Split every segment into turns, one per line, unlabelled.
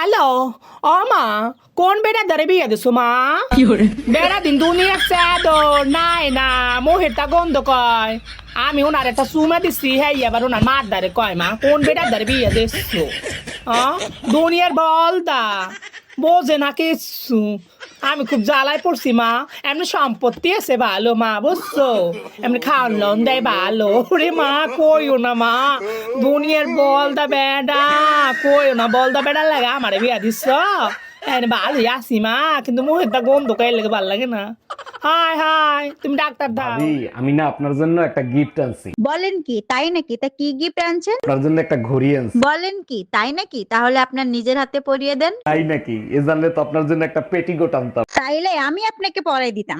Hello ও মা কোন বেটা ধরে বিয়ে দিছো মা বেড়া দিন দুনিয়া চাদর নাই না মোহেরটা গন্ধ কয় আমি ওনার একটা সুমা দিচ্ছি হ্যাঁ এবার ওনার মার দারে কয় মা কোন বেটা ধরে বিয়ে দিছো দুনিয়ার বলদা বোঝে না কিছু আমি খুব জ্বালায় পড়ছি মা এমনি সম্পত্তি আছে ভালো মা বুঝছো এমনি খাওয়ান লোন দেয় ভালো রে মা কইও না মা দুনিয়ার বলদা বেডা কইও না বলদা বেডা লাগে আমারে বিয়া দিচ্ছ ভালোই আসি মা কিন্তু মুখেরটা গন্ধ কয়ে লেগে ভালো লাগে না হাই হাই তুমি ডাক্তার দাও
আমি না আপনার জন্য একটা গিফট আনছি।
বলেন কি তাই নাকি? তা কি গিফট আনছেন?
আপনার জন্য একটা ঘড়ি আনছি।
বলেন কি তাই নাকি? তাহলে আপনার নিজের হাতে পরিয়ে দেন।
তাই নাকি? এ জানলে তো আপনার জন্য একটা পেটিকোট আনতাম।
তাইলে আমি আপনাকে পরাই দিতাম।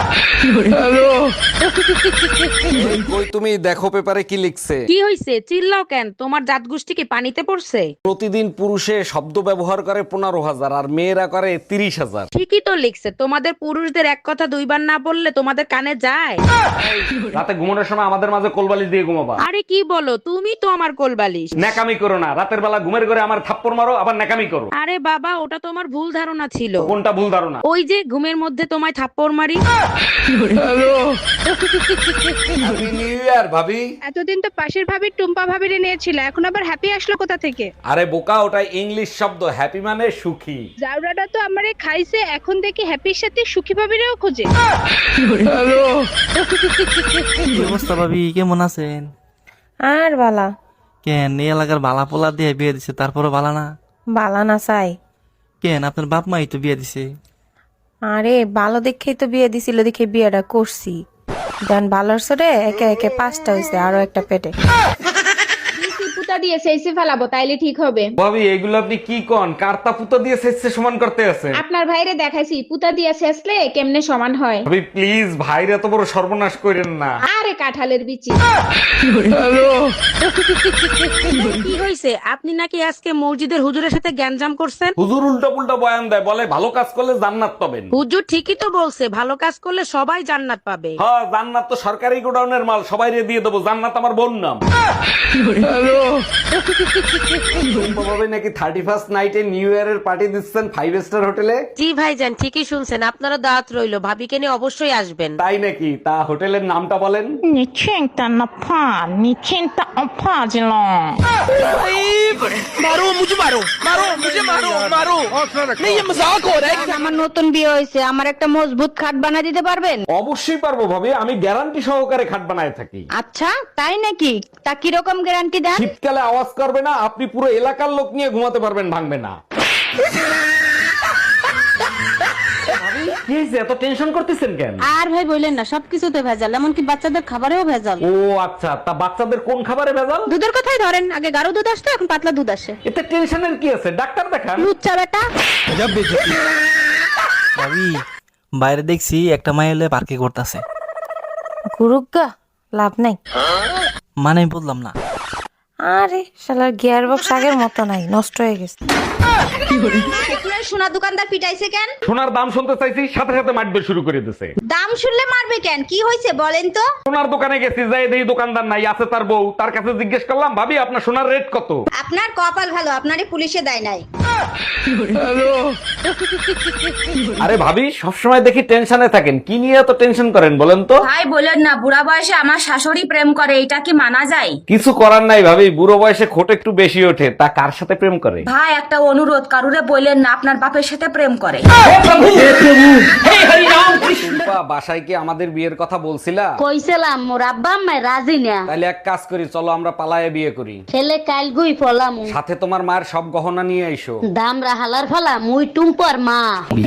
কই তুমি দেখো পেপারে কি লিখছে।
কি হইছে? চিল্লাও কেন? তোমার জাত গোষ্ঠী কি পানিতে পড়ছে?
প্রতিদিন পুরুষে শব্দ ব্যবহার করে 15,000 আর মেয়েরা করে 30,000।
ঠিকই তো লিখছে। তোমাদের পুরুষদের এক কথা দুইবার না বললে তোমাদের কানে যায়?
রাতে ঘুমানোর সময় আমাদের মাঝে কোলবালিশ দিয়ে ঘুমাবা।
আরে কি বলো, তুমি তো আমার কোলবালিশ।
ন্যাকামি করো না, রাতের বেলা ঘুমের ঘরে আমার থাপ্পড় মারো আবার ন্যাকামি করো।
আরে বাবা, ওটা তোমার ভুল ধারণা ছিল।
কোনটা ভুল ধারণা?
ওই যে ঘুমের মধ্যে তোমায় থাপ্পড় মারি।
হ্যাপি নিউ ইয়ার ভাবি।
এতদিন তো পাশের ভাবির টুম্পা ভাবির নিয়েছিল, এখন আবার হ্যাপি আসলো কোথা থেকে?
আরে বোকা, ওটা ইংলিশ শব্দ। হ্যাপি মানে সুখী।
জাউরাটা তো আমারে খাইছে, এখন দেখি হ্যাপির সাথে সুখী ভাবিরেও খোঁজে।
কি অবস্থা ভাবি, কেমন আছেন?
আর বালা
কেন এই এলাকার বালা পোলা দিয়ে বিয়ে দিছে তারপরে বালা না?
বালা না চাই।
কেন আপনার বাপ মাই তো বিয়ে দিছে।
আরে ভালো দেখেই তো বিয়ে দিছিল, দেখে বিয়েটা করছি। দেন ভালোর সরে একে একে 5টা হয়েছে, আরো একটা পেটে।
পুতা দিয়ে সেইসে ফেলাবো, তাইলে ঠিক হবে।
ভাবি এগুলো আপনি কি কোন? কার্তা পুতো দিয়ে সেচে সমান করতে আছে।
আপনার ভাইরে দেখাইছি পুতা দিয়ে শেষলে কেমনে সমান হয়।
ভাবি প্লিজ ভাইরে এত বড় সর্বনাশ করেন না।
আরে কাঁঠালের বিচি।
কি হইছে? আপনি নাকি আজকে মসজিদের হুজুরের সাথে গ্যাঞ্জাম করছেন?
হুজুর উল্টা পুল্টা বয়ান দেয়, বলে ভালো কাজ করলে জান্নাত পাবেন।
হুজুর ঠিকই তো বলছে, ভালো কাজ করলে সবাই জান্নাত পাবে।
হ্যাঁ, জান্নাত তো সরকারি গোডাউনের মাল, সবাইরে দিয়ে দেবো। জান্নাত আমার বোন নাম। ভাবে নাকি 31st নাইটে নিউ ইয়ারের পার্টি দিচ্ছেন 5 স্টার হোটেলে।
জি ভাইজান, ঠিকই শুনছেন। আপনারা দাওয়াত রইলো, ভাবিকে নিয়ে অবশ্যই আসবেন।
তাই নাকি? তা হোটেলের নামটা বলেন।
আমার নতুন বিয়ে হয়েছে, আমার একটা মজবুত খাট বানা দিতে পারবেন?
অবশ্যই পারবো ভাবি, আমি গ্যারান্টি সহকারে খাট বানায় থাকি।
আচ্ছা তাই নাকি? তা কিরকম গ্যারান্টি দেন?
শীতকালে আওয়াজ করবে না, আপনি পুরো এলাকার লোক নিয়ে ঘুমাতে পারবেন, ভাঙবে না। কি হয়েছে, এত টেনশন করতেছেন কেন?
আর ভাই বললেন না, সবকিছুতে ভেজাল, এমনকি বাচ্চাদের খাবারেও ভেজাল।
ও আচ্ছা, তা বাচ্চাদের কোন খাবারে ভেজাল?
দুধের কথাই ধরেন, আগে গাঢ় দুধ আসতো, এখন পাতলা দুধ আসে।
এতে টেনশনের কি আছে? ডাক্তার দেখান।
লুচ্চা বেটা।
ভাবি বাইরে দেখছি একটা মাই হলে পার্কে করতেছে।
গুরুগা লাভ নাই।
মানে আমি বললাম না।
আরে শালার গিয়ার বক্স আগের মতো নাই, নষ্ট হয়ে গেছে।
সোনা দোকানদার পিটাইছে কেন?
সোনার দাম শুনতে চাইছি, সাথে সাথে মারবে শুরু করে দিছে।
দাম শুনলে মারবে কেন? কি হয়েছে বলেন তো?
সোনার দোকানে গেছি, যাই দেখি দোকানদার নাই, আছে তার বউ। তার কাছে জিজ্ঞেস করলাম, ভাবি আপনার সোনার রেট কত?
আপনার কপাল ভালো, আপনারে পুলিশে দেয় নাই।
আরে ভাবি সবসময় দেখি টেনশনে থাকেন, কি নিয়ে এত টেনশন করেন বলেন তো?
ভাই বলেন না, বুড়া বয়সে আমার শাশুড়ি প্রেম করে, এটা কি মানা যায়?
কিছু করার নাই ভাবি, বুড়ো বয়সে খোট একটু বেশি ওঠে। তা কার সাথে প্রেম করে?
ভাই একটা অনুরোধ, কারুরে বললেন না আপনার বাপের সাথে প্রেম করে।
টুম্পা, বাসায় কি আমাদের বিয়ের কথা বলছিলা?
কইছিলাম, মোর আব্বা আম্মা রাজি না।
তাহলে এক কাজ করি, চলো আমরা পালায়ে বিয়ে করি।
ছেলে কাল গুই ফলাম,
সাথে তোমার মায়ের সব গহনা নিয়ে আইসো।
দাম রাহালার ফলা, মুই টুম্পর মা।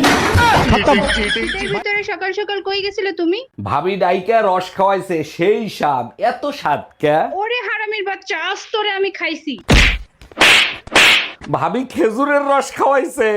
এর ভিতরে সকাল সকাল কই গেছিলে তুমি?
ভাবি ডাইকা রস খাওয়াইছে, সেই স্বাদ। এত স্বাদ কে?
ওরে হারামির বাচ্চা, আজ তোরে আমি খাইছি।
ভাবি খেজুরের রস খাওয়াইছে।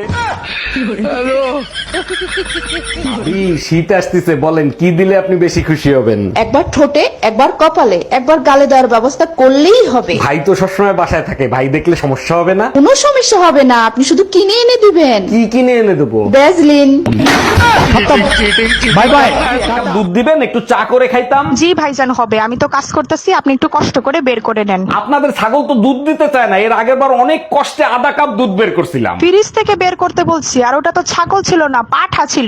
ভাবি শীত আসতেছে, বলেন কি দিলে আপনি বেশি খুশি হবেন?
একবার ঠোঁটে, একবার কপালে, একবার গালে দেওয়ার ব্যবস্থা করলেই হবে।
ভাই তো সবসময় বাসায় থাকে, ভাই দেখলে সমস্যা হবে না?
কোনো সমস্যা হবে না, আপনি শুধু কিনে এনে দিবেন।
কি কিনে এনে দেবো?
ভ্যাসলিন।
Bye bye. দুধ দিবেন, একটু চা করে খাইতাম।
জি ভাইজান হবে, আমি তো কাজ করতেছি, আপনি একটু কষ্ট করে বের করে নেন।
আপনাদের ছাগল তো দুধ দিতে চায় না, এর আগের বার অনেক কষ্টে আধা কাপ দুধ বের করছিলাম।
ফ্রিজ থেকে বের করতে বলছি, আর ওটা তো ছাগল ছিল না, পাঠা ছিল।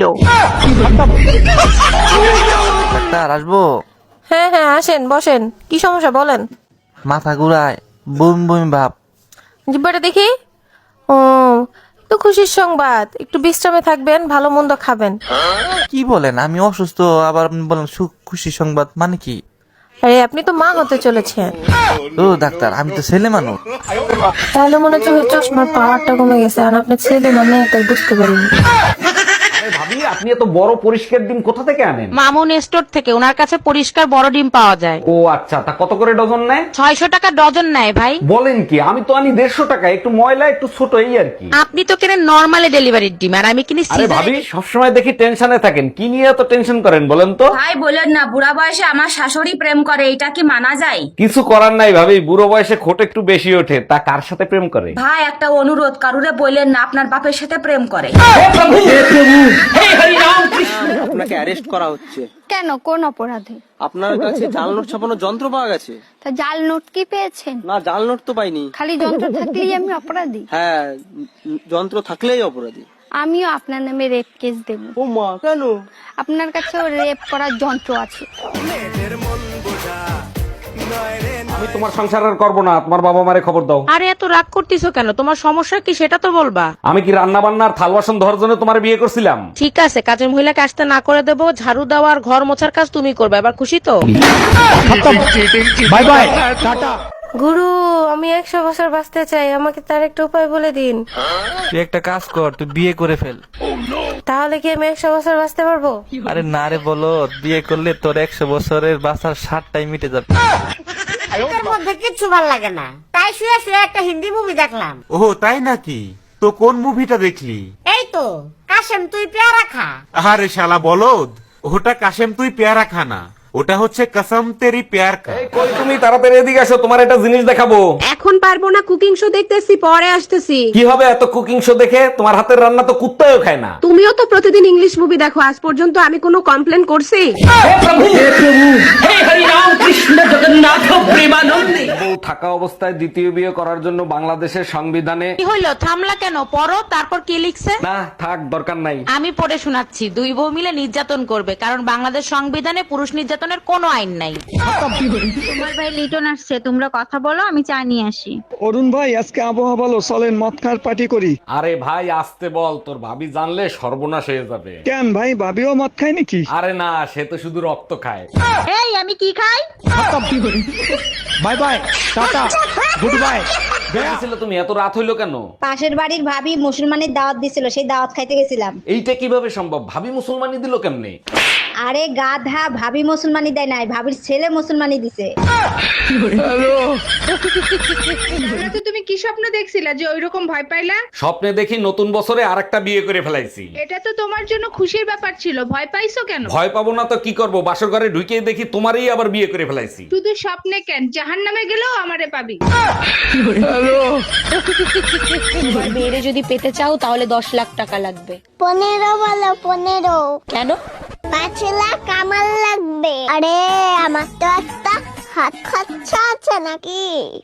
ডাক্তার আসবো?
হ্যাঁ হ্যাঁ আসেন বসেন, কি সমস্যা বলেন।
মাথা ঘুরায়, বুম বুম ভাব।
জিব্বাটা দেখি। ও তো খুশির সংবাদ, একটু বিশ্রামে থাকবেন, ভালো মন্দ খাবেন।
কি বলেন, আমি অসুস্থ আবার আপনি বলেন সুখ খুশি সংবাদ মানে কি?
আরে আপনি তো মা হতে চলেছেন।
ও ডাক্তার, আমি তো ছেলে মানুষ।
তাহলে মনে হচ্ছে ওই চশমার পাওয়ারটা কমে গেছে, আর আপনার ছেলে মানে তাই বুঝতে পারিনি।
আরে ভাবি, আপনি এত বড় পরিষ্কার ডিম কোথা থেকে আনেন?
মামুন স্টোর থেকে, ওনার কাছে পরিষ্কার বড় ডিম পাওয়া যায়।
ও আচ্ছা, তা কত করে ডজন নেয়?
600 টাকা ডজন নেয় ভাই।
বলেন কি, আমি তো আনি 150 টাকা, একটু ময়লা একটু ছোট এই আর কি।
আপনি তো কেনেন নরমালি ডেলিভারির ডিম, আর আমি কিনি
আরে
সিজার।
ভাবি, সবসময় দেখি টেনশনে থাকেন, কি নিয়ে এত টেনশন করেন বলেন তো?
ভাই বলেন না, বুড়া বয়সে আমার শাশুড়ি প্রেম করে, এটা কি মানা যায়?
কিছু করার নাই ভাবি, বুড়ো বয়সে খোট একটু বেশি ওঠে, তা কার সাথে প্রেম করে?
ভাই একটা অনুরোধ, কারুরে বললেন না আপনার বাপের সাথে প্রেম করে।
আপনাকে অ্যারেস্ট করা হচ্ছে।
কেন, কোন অপরাধে?
আপনার কাছে জাল নোট ছাপানোর যন্ত্র পাওয়া গেছে।
তা জাল নোট কি পেয়েছেন?
না, জাল নোট তো পাইনি।
খালি যন্ত্র থাকলেই আমি অপরাধী?
হ্যাঁ, যন্ত্র থাকলেই অপরাধী।
আমিও আপনার নামে রেপ কেস দেব।
ও মা, কেন?
আপনার কাছেও রেপ করার যন্ত্র আছে।
আমি তোমার সংসার আর করবো না, তোমার বাবা মারে খবর দাও।
আরে এত রাগ করতেছো কেন? তোমার সমস্যা কি সেটা তো বলবা।
আমি কি রান্না বান্নার থাল বাসন ধরার জন্য তোমার বিয়ে করছিলাম?
ঠিক আছে, কাজের মহিলাকে আসতে না করে দেবো, ঝাড়ু দেওয়া আর ঘর মোছার কাজ তুমি করবে। এবার খুশি তো?
Bye bye, tata.
গুরু, আমি 100 বছর বাঁচতে চাই, আমাকে তার একটা উপায় বলে দিন।
তুই একটা কাজ কর, তুই বিয়ে করে ফেল।
তাহলে কি আমি 100 বছর বাঁচতে পারবো?
আরে না রে, বলো বিয়ে করলে তোর 100 বছরের বাঁচার 60টাই মিটে যাবে।
এর মধ্যে কিচ্ছু ভালো লাগে না, তাই শুয়ে শুয়ে একটা হিন্দি মুভি দেখলাম।
ও তাই নাকি? তো কোন মুভিটা দেখলি?
এই তো কাশেম তুই পেয়ারা খা।
আরে শালা বলদ, ওটা কাশেম তুই পেয়ারা খানা, ওটা হচ্ছে কসম তেরি প্যার কা।
এই কই তুমি, তাড়াতাড়ি এদিকে আসো, তোমার একটা জিনিস দেখাবো।
এখন পারবো না, কুকিং শো দেখতেছি, পরে আসতেছি।
কি হবে এত কুকিং শো দেখে? তোমার হাতের রান্না তো কুত্তাও খায় না।
তুমিও তো প্রতিদিন ইংলিশ মুভি দেখো, আজ পর্যন্ত আমি কোনো কমপ্লেন করছি?
বউ থাকা অবস্থায় দ্বিতীয় বিয়ে করার জন্য বাংলাদেশের সংবিধানে
কি হইলো, থামলা কেন? পড়ো, তারপর কি লিখছে?
না থাক, দরকার নাই।
আমি পড়ে শোনাচ্ছি। 2 বউ মিলে নির্যাতন করবে, কারণ বাংলাদেশ সংবিধানে পুরুষ নির্যাতনের কোনো আইন নাই।
তোমার ভাই লিটন আসছে, তোমরা কথা বলো, আমি চা নিয়ে আসি।
অরুণ ভাই, আজকে আবহাওয়া ভালো, চলেন মদ খাওয়ার পার্টি করি।
আরে ভাই আসতে বল, তোর ভাবি জানলে সর্বনাশ হয়ে যাবে।
কেন ভাই, ভাবিও মদ খায় নাকি?
আরে না, সে তো শুধু রক্ত খায়।
এই আমি কি খাই?
Bye bye, tata, good bye. ছিল তুমি, এত রাত হইলো কেন?
পাশের বাড়ির ভাবি মুসলমানের দাওয়াত দিছিল, সেই দাওয়াত খাইতে গেছিলাম।
এইটা কিভাবে সম্ভব? ভাবি মুসলমানি দিল কেমনে?
আরে গাধা, ভাবি মুসলমানি দেয় নাই, ভাবির ছেলে মুসলমানি দিছে।
তুমি কি স্বপ্ন দেখছিলা যে ওইরকম ভয় পাইলা?
স্বপ্নে দেখি নতুন বছরে আরেকটা বিয়ে করে ফেলাইছি।
এটা তো তোমার জন্য খুশির ব্যাপার ছিল, ভয় পাইছো কেন?
ভয় পাবো না তো কি করব, বাসর ঘরে ঢুকে দেখি তোমারই আবার বিয়ে করে ফেলাইছি।
শুধু স্বপ্নে কেন, জাহান্নামে গেলেও আমারে পাবি।
মেয়েরে যদি পেতে চাও তাহলে 10 লাখ টাকা লাগবে।
15 বলো 15।
কেন?
5 লাখ আমার লাগবে। আরে আমার তো একটা হাত খরচা আছে নাকি?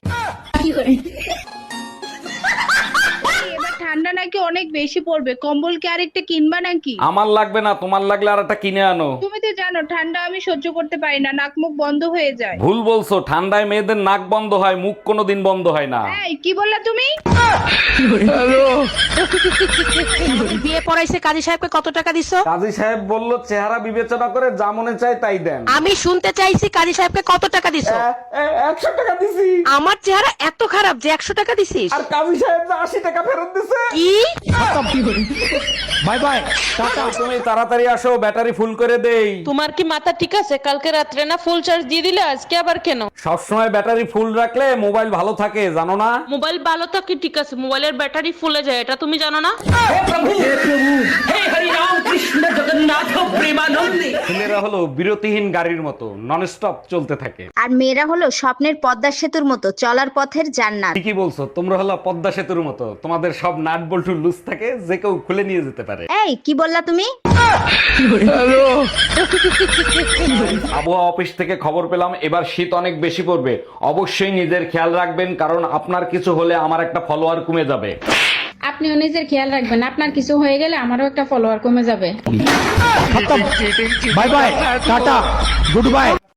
এবার ঠান্ডা নাকি অনেক বেশি পড়বে, কম্বল কি আরেকটা কিনবা নাকি?
আমার লাগবে না, তোমার লাগলে আর একটা কিনে আনো।
তুমি তো জানো ঠান্ডা আমি সহ্য করতে পারি না, নাক মুখ বন্ধ হয়ে যায়।
ভুল বলছো, ঠান্ডায় মেয়েদের নাক বন্ধ হয়, মুখ কোনোদিন বন্ধ হয় না।
এই কি বললা তুমি?
বিয়ে পড়াইছে, কাজী সাহেবকে কত টাকা দিছো?
কাজী সাহেব বলল চেহারা বিবেচনা করে যা মনে চায় তাই দেন।
আমি শুনতে চাইছি কাজী সাহেবকে কত টাকা দিছো?
100 টাকা দিছি।
আমার চেহারা এত খারাপ যে 100 টাকা দিছিস?
আর কাজী সাহেব 80 টাকা ফেরত দিছে।
কি?
Bye bye, tata. তুমি তাড়াতাড়ি আসো, ব্যাটারি ফুল করে দেই।
তোমার কি মাথা ঠিক আছে? কালকে রাত্রে না ফুল চার্জ দিয়ে দিলে, আজকে আবার কেন?
সবসময় ব্যাটারি ফুল রাখলে মোবাইল ভালো থাকে, জানো না?
মোবাইল ভালো তো কি ঠিক আছে, মোবাইলের ব্যাটারি ফুলে যায়, এটা তুমি জানো না?
হে প্রভু, হে হরি রাম কৃষ্ণ ছেলেরা হলো বিরতিহীন গাড়ির মতো নন স্টপ চলতে থাকে।
আর মেয়েরা হলো স্বপ্নের পদ্মা সেতুর মতো চলার পথের জান্নাত।
ঠিকই বলছো, তোমরা হলো পদ্মা সেতুর মতো, তোমাদের সব নাট বল্টু লুজ থাকে, যে কেউ খুলে নিয়ে যেতে পারে।
এই কি বললা তুমি?
আবহাওয়া অফিস থেকে খবর পেলাম এবার শীত অনেক বেশি পড়বে। অবশ্যই নিজের খেয়াল রাখবেন, কারণ আপনার কিছু হলে আমার একটা ফলোয়ার কমে যাবে।
আপনিও নিজের খেয়াল রাখবেন, আপনার কিছু হয়ে গেলে আমারও একটা ফলোয়ার কমে যাবে।
Bye bye, tata, good by.